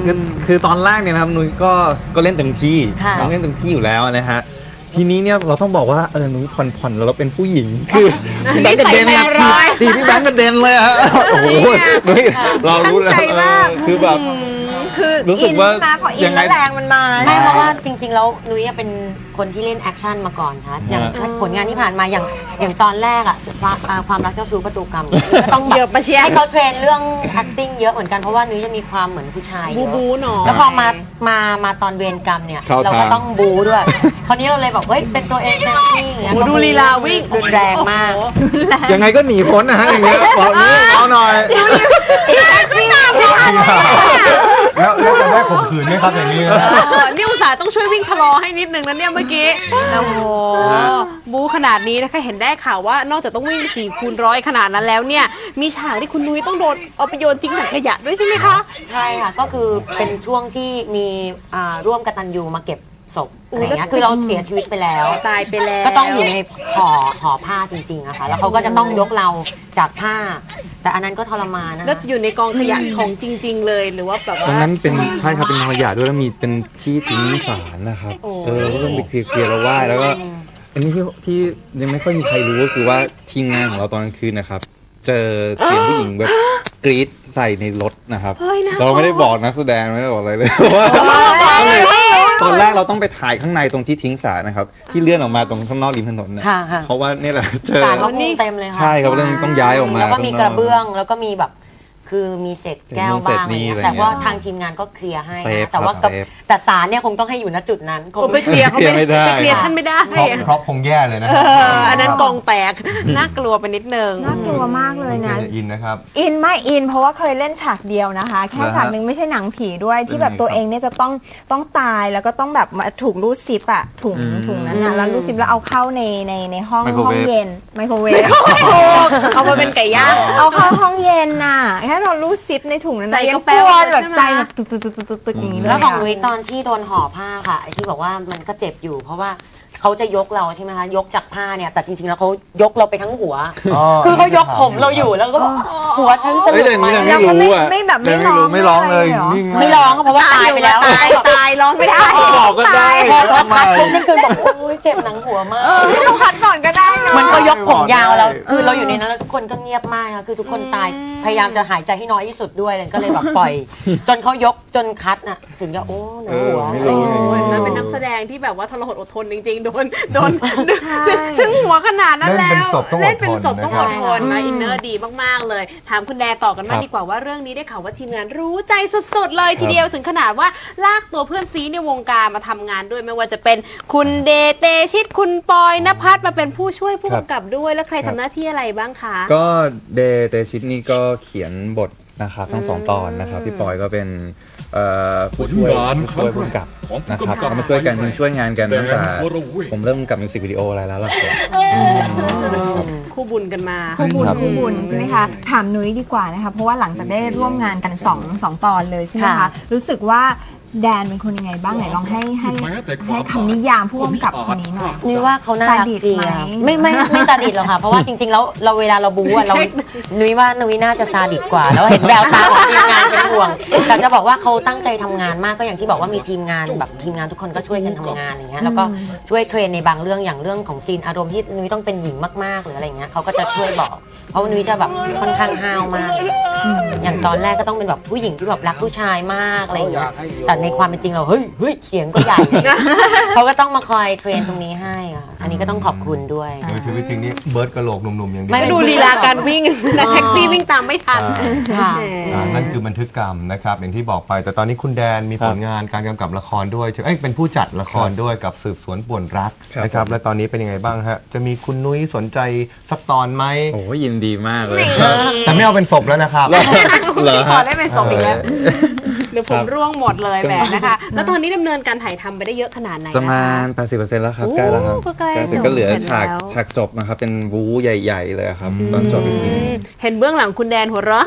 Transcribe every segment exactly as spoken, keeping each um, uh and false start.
คือคือตอนแรกเนี่ยนะครับนุ้ยก็ก็เล่นเต็มที่ค่ะน้องเล่นเต็มที่อยู่แล้วนะฮะทีนี้เนี่ยเราต้องบอกว่าเออนุ้ยผ่อนผ่อนแล้วเราเป็นผู้หญิงคือพี่แบงค์กระเด็นนะตีพี่แบงค์กระเด็นเลยฮะโอ้โหนุ้ยเรารู้แล้วตั้งใจมากเออคือแบบคือรู้สึกว่าอินมาพออิยันงไงแล้วแรงมันมาไม่เพราะว่าจริงๆแล้วนุ้ยเป็นคนที่เล่นแอคชั่นมาก่อนค่ะอย่างอ่าผลงานที่ผ่านมาอย่างอย่างตอนแรกอะความอ่าความรักเจ้าชู้ประตูกรรมก็ต้องเยอะปะเชียร์ให้เขาเทรนเรื่อง acting เยอะเหมือนกันเพราะว่านุ้ยจะมีความเหมือนผู้ชายเยบูอะบูหน่อยแล้วพอมามามาตอนเวรกรรมเนี่ยเข้าเราก็ทางต้องบูด้วย คราวนี้เราเลยบอกเฮ้ยเป็นตัวเองเต็มที่อย่างเงี้ยโอ้โหดูลีลาวิ่งรุนแรงมากโอ้โหยังไงก็หนีพ้นนะฮะอย่างเงี้ยบอกนุ้ยเอาหน่อยไม่น่าไม่น่าแล้วแล้วจะได้ข่มขืนไหมครับอย่างนี้นะเออนี่อุตส่าห์ต้องช่วยวิ่งชะลอให้นิดนึงนะเนี่ยเมื่อกี้โอ้โหบูขนาดนี้นะคะเห็นได้ข่าวว่านอกจากต้องวิ่งสี่คูณร้อยขนาดนั้นแล้วเนี่ยมีฉากที่คุณนุ้ยต้องโดนเอาไปโยนทิ้งถังขยะด้วยใช่ไหมคะใช่ค่ะก็คือเป็นช่วงที่มีอ่าร่วมกตัญญูมาเก็บศพอะไรเงี้ยคือเราเสียชีวิตไปแล้วตายไปแล้วก็ต้องอยู่ในห่อห่อผ้าจริงๆอะค่ะแล้วเขาก็จะต้องยกเราจากผ้า แต่อันนั้นก็ทรมานนะแล้วอยู่ในกองขยะของจริง ๆ เลยหรือว่าแบบตรงว่านั้นเป็นใช่ครับเป็นขยะด้วยแล้วมีเป็นที่ทิ้งสารนะครับโอ้เออก็ต้องไปเคลียร์ๆแล้วไหว้แล้วก็อันนี้ที่ที่ยังไม่ค่อยมีใครรู้ก็คือว่าทีมงานของเราตอนกลางคืนนะครับ เจอเสียงผู้หญิงแบบกรี๊ดใส่ในรถนะครับเฮ้ยน่ากลัวเราไม่ได้บอกนักแสดงไม่ได้บอกอะไรเลยว่าตอนแรกเราต้องไปถ่ายข้างในตรงที่ทิ้งสารนะครับ ที่เลื่อนออกมาตรงข้างนอกริมถนนนะค่ะค่ะเพราะว่านี่แหละเจอสารเขาพุ่งเต็มเลยค่ะใช่ครับเรื่องต้องย้ายออกมาแล้วก็มีกระเบื้องแล้วก็มีแบบคือมีเศษแก้วบ้างอะไรเงี้ยเศษนี่อะไรเงี้ยแต่ว่าทางทีมงานก็เคลียร์ให้เซฟนะแต่ว่าครับเซฟแต่สารเนี่ยคงต้องให้อยู่ณจุดนั้นคงโอ้ไปเคลียร์เขาเคลียร์ไม่ได้ไปเคลียร์ท่านไม่ได้เพราะเพราะคงแย่เลยนะเอออันนั้นกองแตกน่ากลัวไปนิดนึงน่ากลัวมากเลยนะอินนะครับอินไม่อินเพราะว่าเคยเล่นฉากเดียวนะคะ แค่ฉากหนึ่งไม่ใช่หนังผีด้วยที่แบบตัวเองเนี่ยจะต้องต้องตายแล้วก็ต้องแบบมาถูกรูดซิปอะถุงอืมถุงนั้นนะแล้วรูดซิปแล้วเอาเข้าในในในห้องไมโครห้อเวงฟเย็นไมโครเวฟเอามาเป็นไก่ย่างเอาเข้าห้องเย็นน่ะแค่เรารูดซิปในถุงนั้นใจนะยัก็งแป้กวลัวเลยแบบใช่ไหมใจแบบตึกตึกตึกตึกตึกตึกอย่างนี้เลยแล้วของะนุ้ยตอนที่โดนห่อผ้าค่ะไอ้ที่บอกว่ามันก็เจ็บอยู่ เพราะว่าเขาจะยกเราใช่ไหมคะยกจากผ้าเนี่ยแต่จริงๆแล้วเขายกเราไปทั้งหัวอ๋อคือเขายกผมเราอยู่แล้วก็บอกหัวทั้งจะหเฮ้ลุยดแต่ไหมนี่ยังไม่รู้อ่ะไม่แบบไม่ยังร้องไม่ร้องเลยไม่ได้เหรอนิ่งไม่ร้องเพราะว่าตายไปแล้วตายตายร้องไม่ได้บอกก็ได้พอพอทำไมคัดปุ๊บนั่นคือบอกโอ้ยเจ็บหนังหัวมากไม่ต้องพัดก่อนก็ได้เนอะมันก็ยกผมยาวแล้วคือเราอยู่ในนั้นแล้วทุกคนก็เงียบมากค่ะคือทุกคนตายพยายามจะหายใจให้น้อยที่สุดด้วยเลยก็เลยแบบปล่อย จนเขายกจนคัดน่ะถึงจะโอ้หนังหัวเออไม่รู้โอ้ยมันเป็นนักแสดงที่แบบว่าทรหดอดทนจริงๆ โดนโดนซึ่งหัวขนาดนั้นแล้วเล่นเป็นศพต้องอดทนเล่นเป็นศพต้องอดทนนะครับนะอินเนอร์ดีมากๆเลย ถามคุณแดต่อกันมากดีกว่าว่าเรื่องนี้ได้ข่าวว่าทีมงานรู้ใจสุดๆ เลยทีเดียวถึงขนาดว่าลากตัวเพื่อนซีในวงการมาทำงานด้วยไม่ว่าจะเป็นคุณเดเตชิตคุณปอยณภัทรมาเป็นผู้ช่วยผู้กำกับด้วยแล้วใครทำหน้าที่อะไรบ้างคะก็เดเตชิตนี่ก็เขียนบทนะครับทั้งสองตอนนะครับพี่ปอยก็เป็นเอ่อผู้ช่วยผลงานผู้ช่วยครั้งผู้กำกับของผู้นะครับกำกับก็มาช่วยกันช่วยงานกันตั้งแต่แดนวรเวทผมเริ่มกับมิวสิกวิดีโออะไรแล้วล่ะครับคู่บุญกันมาคู่บุญครับคู่บุญใช่ไหมคะถามนุ้ยดีกว่านะคะเพราะว่าหลังจากได้ร่วมงานกันสองสองตอนเลยใช่ไหมคะค่ะรู้สึกว่าแดนเป็นคนยังไงบ้างไหนลองให้ให้แม้แต่คให้วามคำนิยามผู้กำกับคนนี้หน่อยนุ้ยว่าเขาน่ารักซาดิสดีไหมอะไม่ไม่ไม่ซาดิสหรอกค่ะ เพราะว่าจริงๆแล้วเราเวลาเราบู๊อะเรานุ้ยว่านุ้ยน่าจะซาดิสกว่า แล้วเห็นแววตาของทีมงานเป็นห่วงแต่จะบอกว่าเขาตั้งใจทำงานมากก็อย่างที่บอกว่ามีทีมงานแบบทีมงานทุกคนก็ช่วยกันทำงานอย่างเงี้ยแล้วก็ช่วยเทรนในบางเรื่องอย่างเรื่องของซีนอารมณ์ที่นุ้ยต้องเป็นหญิงมากๆหรืออะไรเงี้ยเขาก็จะช่วยบอกเพราะว่านุ้ยจะแบบค่อนข้างห้าวมาก อย่างตอนแรกก็ต้องเป็นแบบผู้หญิงที่แบบรักผู้ชายมากอะไรอย่างเงี้ยแต่ในความเป็นจริงเราเฮ้ยเฮ้ยเสียงก็ใหญ่ เขาก็ต้องมาคอยเทรนตรงนี้ให้อะอันนี้ก็ต้องขอบคุณด้วยในชีวิตจริงนี่เบิร์ดกระโหลกหนุ่มๆอย่างเดียวไม่ดูลีลาการวิ่งและแท็กซี่วิ่งตามไม่ทันค่ะอ่านั่นคือบันทึกกรรมนะครับอย่างที่บอกไป แต่ตอนนี้คุณแดนมีผลงานการกำกับละครด้วยเอ้ยเป็นผู้จัดละครด้วยกับสืบสวนป่วนรักครับนะครับและตอนนี้เป็นยังไงบ้างฮะจะมีคุณนุ้ยสนใจสักตอนไหมโอ้ยยินดีมากเลยแต่ไม่เอาเป็นศพแล้วนะครับเหรอขอฮะได้เป็นศพอีกแล้วเดี๋ยวผมครับร่วงหมดเลยแหมนะคะ แล้วตอนนี้ดำเนินการถ่ายทำไปได้เยอะขนาดไหนประนะมาคะณ แปดสิบเปอร์เซ็นต์ แล้วครับโอ้ใกล้แล้วครับก็ใกล้ใกล้เสร็จก็เหลือจบฉากแล้วฉากจบนะครับเป็นบู๊ใหญ่ ๆ เลยครับตอนจบอีกทีเห็นเบื้องหลังคุณแดนหัวเราะ ต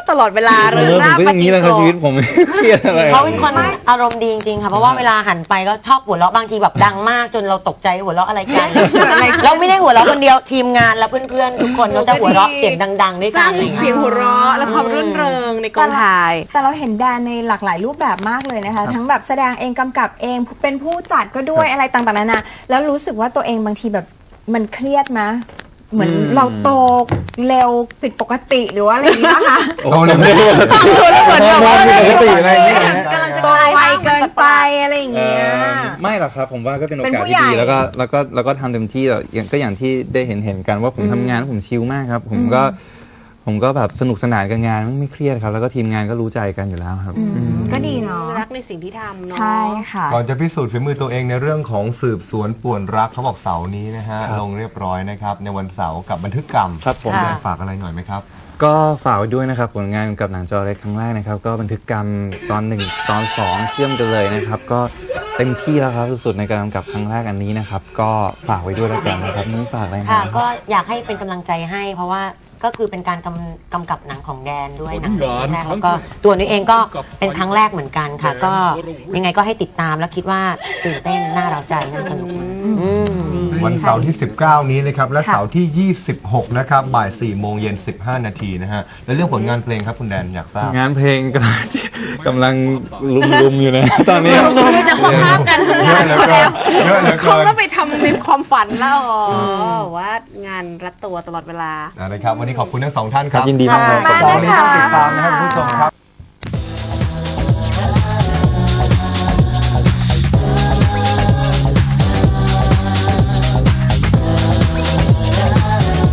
ตลอดเวลาเอเริงอผมร่าก็อย่างนี้แหละครับชีวิตผมไม่เครียดอะไรเขาเป็นคนอารมณ์ดีจริงๆค่ะเพราะว่าเวลาหันไปก็ชอบหัวเราะบางทีแบบดังมากจนเราตกใจหัวเราะอะไรกันเราไม่ได้หัวเราะคนเดียวทีมงานและเพื่อนๆทุกคนเขาจะหัวเราะเสียงดังๆด้วยสกัร้าน งอะไรอย่างเสีเงี้ยงยหัวเราะและความรื่นเริงในกองถ่ายแต่เราเห็นแดนในหลากหลายรูปแบบมากเลยนะคะ ทั้งแบบแสดงเองกำกับเองเป็นผู้จัดก็ด้วยอะไรต่างๆนานาแล้วรู้สึกว่าตัวเองบางทีแบบมันเครียดไหมเหมือนเราโตเร็วผิดปกติหรือว่าอะไรอย่างเงี้ยคะโอ้โหเลยไม่รู้ว่าเหมือนแบบว่าปกติอะไรอย่างเงี้ยกำลังจะโตไวเกินไปอะไรอย่างเอ่เงี้ยอไม่หรอกครับผมว่าก็เป็นโอเป็นกาสผู้ที่ใหญ่ดีแล้วก็แล้วก็แล้วก็ทำเต็มที่แล้วอย่างก็อย่างที่ได้เห็นเห็นกันว่าผมทำงานผมชิลมากครับ ผมก็ผมก็แบบสนุกสนานกับงานไม่เครียดครับ แล้วก็ทีมงานก็รู้ใจกันอยู่แล้วครับอืมก็ดีเนาะรักในสิ่งที่ทำเนาะใช่ค่ะก่อนจะพิสูจน์ฝีมือตัวเองในเรื่องของสืบสวนป่วนรักเขาบอกเสาร์นี้นะฮะครับลงเรียบร้อยนะครับในวันเสาร์กับบันทึกกรรมครับผมอยากฝากอะไรหน่อยไหมครับก็ฝากไว้ด้วยนะครับผลงานกับหนังจอเล็กครั้งแรกนะครับ ก็บันทึกกรรมตอนหนึ่งตอนสองเชื่อมกันเลยนะครับ ก็เต็มที่แล้วครับสุดๆในการกำกับครั้งแรกอันนี้นะครับ ก็ฝากไว้ด้วยแล้วกันนะครับนี่ฝากอะไรค่ะนะก็อยากให้เป็นกำลังใจให้ เพราะว่าก็คือเป็นการกำกำกับหนังของแดนด้วยหนังเรื่องแรกแล้วก็ตัวนี้เองก็เป็นครั้งแรกเหมือนกันค่ะ ก็ยังไงก็ให้ติดตามแล้วคิดว่าตื่นเต้นน่าเราใจน่าสนุกอืมวันเสาร์ที่ สิบเก้า นี้นะครับและเสาร์ที่ ยี่สิบหก นะครับบ่ายสี่โมงเย็นสิบห้านาทีนะฮะและเรื่องผลงานเพลงครับคุณแดนอยากทราบงานเพลงกำลังกำลังลุมๆอยู่นะตอนนี้ไม่จะควบภาพกันทำงานเยอะเหลือเกินเยอะเหลือเขาเกินก็ไปทำในความฝันแล้วอ๋อว่างานรัดตัวตลอดเวลานะครับวันนี้ขอบคุณทั้งสองท่านครับยินดีมากครับเสาร์นี้ต้องติดตามนะครับคุณผู้ชมครับ